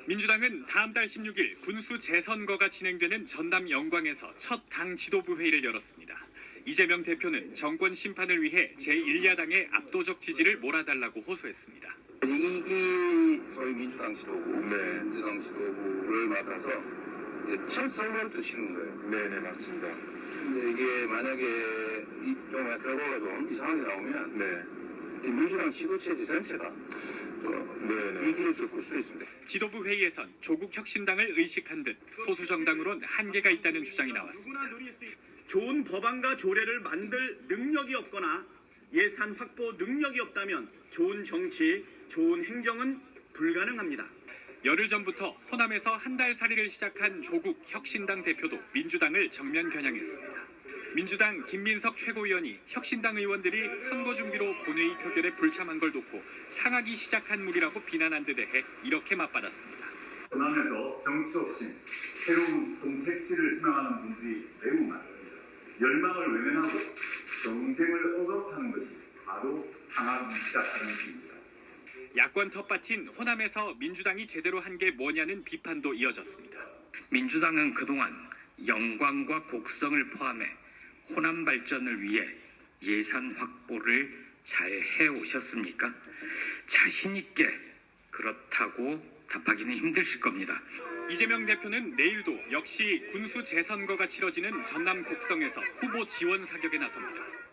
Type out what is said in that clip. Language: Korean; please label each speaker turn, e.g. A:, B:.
A: 민주당은 다음 달 16일 군수 재선거가 진행되는 전남 영광에서 첫 당 지도부 회의를 열었습니다. 이재명 대표는 정권 심판을 위해 제1야당의 압도적 지지를 몰아달라고 호소했습니다.
B: 이기 소위 민주당 지도부, 민주당 지도부를 맡아서 첫 선거를 또 치는 거예요.
C: 네네, 맞습니다.
B: 근데 이게 만약에 좀 결과가 좀 이상하게 나오면 이 민주당 지도체제 전체가 위기를 겪을 수도 있습니다.
A: 지도부 회의에선 조국 혁신당을 의식한 듯 소수 정당으론 한계가 있다는 주장이 나왔습니다.
D: 좋은 법안과 조례를 만들 능력이 없거나 예산 확보 능력이 없다면 좋은 정치, 좋은 행정은 불가능합니다.
A: 열흘 전부터 호남에서 한 달 살이를 시작한 조국 혁신당 대표도 민주당을 정면 겨냥했습니다. 민주당 김민석 최고위원이 혁신당 의원들이 선거 준비로 본회의 표결에 불참한 걸 돕고 상하기 시작한 물이라고 비난한 데 대해 이렇게 맞받았습니다.
E: 호남에서 정치 없이 새로운 선택지를 희망하는 분들이 매우 많습니다. 열망을 외면하고 정쟁을 억압하는 것이 바로 상하기 시작하는 것입니다.
A: 야권 텃밭인 호남에서 민주당이 제대로 한 게 뭐냐는 비판도 이어졌습니다.
F: 민주당은 그동안 영광과 곡성을 포함해 호남 발전을 위해 예산 확보를 잘 해오셨습니까? 자신 있게 그렇다고 답하기는 힘드실 겁니다.
A: 이재명 대표는 내일도 역시 군수 재선거가 치러지는 전남 곡성에서 후보 지원 사격에 나섭니다.